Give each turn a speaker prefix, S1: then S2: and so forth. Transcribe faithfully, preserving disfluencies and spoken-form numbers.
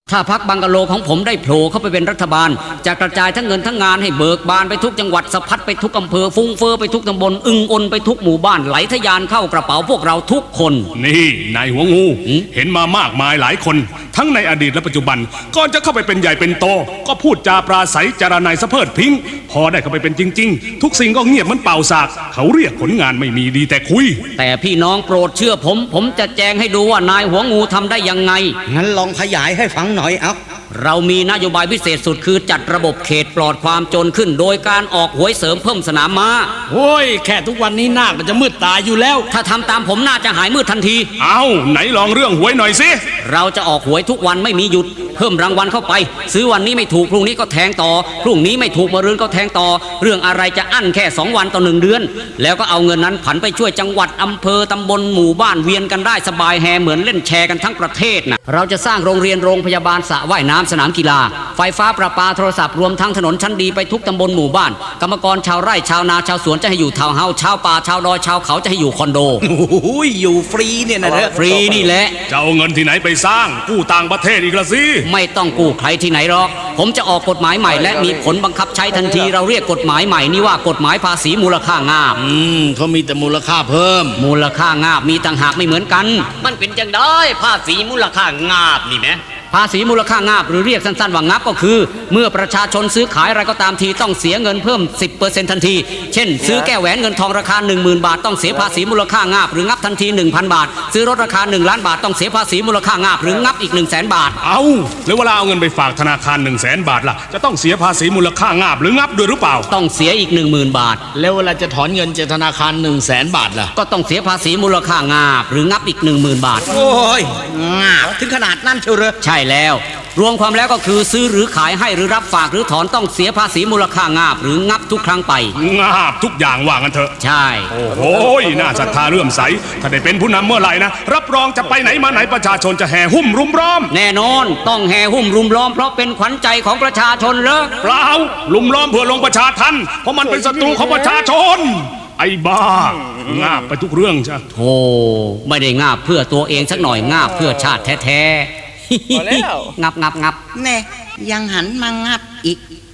S1: ถ้าพรรคบังกะโลของผมได้โผล่เข้าไปเป็นรัฐบาลจะกระจายทั้งเงินทั้งงานให้เบิกบานไปทุกจังหวัดสะพัดไปทุกอำเภอฟุ้งเฟ้อไปทุกตำบลอึงอนไปทุกหมู่บ้านไหลทะยานเข้ากระเป๋าพวกเราทุกคน
S2: นี่นายหัวงูเห็นมามากมายหลายคนทั้งในอดีตและปัจจุบันก่อนจะเข้าไปเป็นใหญ่เป็นโตก็พูดจาปราศัยจารนายสะเพิดพิงพอได้เข้าไปเป็นจริงๆทุกสิ่งก็เงียบเหมือนเป่าสากเขาเรียกผลงานไม่มีดีแต่คุย
S1: แต่พี่น้องโปรดเชื่อผมผมจะแจงให้ดูว่านายหัวงูทำได้ยังไง
S3: งั้นลองขยายให้ฟังหน่อยเอา
S1: เรามีนโยบายพิเศษสุดคือจัดระบบเขตปลอดความจนขึ้นโดยการออกหวยเสริมเพิ่มสนามม้า
S4: โอ้ยแค่ทุกวันนี้นาคมันจะมืดตาอยู่แล้ว
S1: ถ้าทำตามผมน่าจะหายมืดทันที
S2: เอาไหนลองเรื่องหวยหน่อยสิ
S1: เราจะออกหวยทุกวันไม่มีหยุดเพิ่มรางวัลเข้าไปซื้อวันนี้ไม่ถูกพรุ่งนี้ก็แทงต่อพรุ่งนี้ไม่ถูกมะรืนก็แทงต่อเรื่องอะไรจะอั้นแค่สองวันต่อหนึ่งเดือนแล้วก็เอาเงินนั้นผันไปช่วยจังหวัดอำเภอตำบลหมู่บ้านเวียนกันได้สบายแฮเหมือนเล่นแชร์กันทั้งประเทศนะเราจะสร้างโรงเรียนโรงพยาบาลสระว่ายน้ำสนามกีฬาไฟฟ้าประปาโทรศัพท์รวมทั้งถนนชั้นดีไปทุกตำบลหมู่บ้านกรรมกรชาวไร่ชาวนาชาวสวนจะให้อยู่ทาวน์เฮาส์ชาวป่าชาวดอยชาวเขาจะให้อยู่คอนโด
S3: โอ้ยอยู่ฟรีเนี่ยนะ
S1: ฟรีนี่แหละ
S2: จะเอาเงินที่ไหนไปสร้างกู้ต่างประเทศอีกละสิ
S1: ไม่ต้องกู้ใครที่ไหนหรอกผมจะออกกฎหมายใหม่และมีผลบังคับใช้ทันทีเราเรียกกฎหมายใหม่นี่ว่ากฎหมายภาษีมูลค่างาบ
S4: อืมเขามีแต่มูลค่าเพิ่ม
S1: มูลค่างาบมีต่างหากไม่เหมือนกัน
S5: มันเป็นจังได้ภาษีมูลค่างาบนี่แหม
S1: ภาษีมูลค่างาบหรือเรียกสั้นๆว่างับก็คือเมื่อประชาชนซื้อขายอะไรก็ตามทีต้องเสียเงินเพิ่ม สิบเปอร์เซ็นต์ ทันทีเช่นซื้อแก้วแหวนเงินทองราคา หนึ่งหมื่น บาทต้องเสียภาษีมูลค่างาบหรืองับทันที หนึ่งพัน บาทซื้อรถราคาหนึ่งล้านบาทต้องเสียภาษีมูลค่างาบหรืองับอีก หนึ่งแสน บาท
S2: เอาแล้วเวลาเอาเงินไปฝากธนาคาร หนึ่งแสน บาทล่ะจะต้องเสียภาษีมูลค่างาบหรืองับด้วยหรือเปล่า
S1: ต้องเสียอีก หนึ่งหมื่น บาท
S4: แล้วเวลาจะถอนเงินจากธนาคาร หนึ่งแสน บาทล่ะ
S1: ก็ต้องเสียภาษีมูลค่างาบหรืองับอีก หนึ่งหมื่น บาท
S3: โอ้ยงาบถึงขนาดนั้นเชียวเหรอ
S1: ใช่แล้วรวมความแล้วก็คือซื้อหรือขายให้หรือรับฝากหรือถอนต้องเสียภาษีมูลค่างาบหรืองับทุกครั้งไป
S2: งาบทุกอย่างว่างันเถอะ
S1: ใช่
S2: โอ้โหน่าศรัทธาเลื่อมใสถ้าได้เป็นผู้นำเมื่อไหร่นะรับรองจะไปไหนมาไหนประชาชนจะแห่หุ้มรุมล้อม
S1: แน่นอนต้องแห่หุ้มรุมล้อมเพราะเป็นขวัญใจของประชาชนเหรอ
S2: เปล่ารุมล้อมเพื่อลงประชาทันเพราะมันเป็นศัตรูของประชาชนไอ้บ้างาบไปทุกเรื่องใช่
S1: โธ่ไม่ได้งาบเพื่อตัวเองสักหน่อยงาบเพื่อชาติแท้ๆงับงับงับ
S3: แน่ยังหันมางับอีก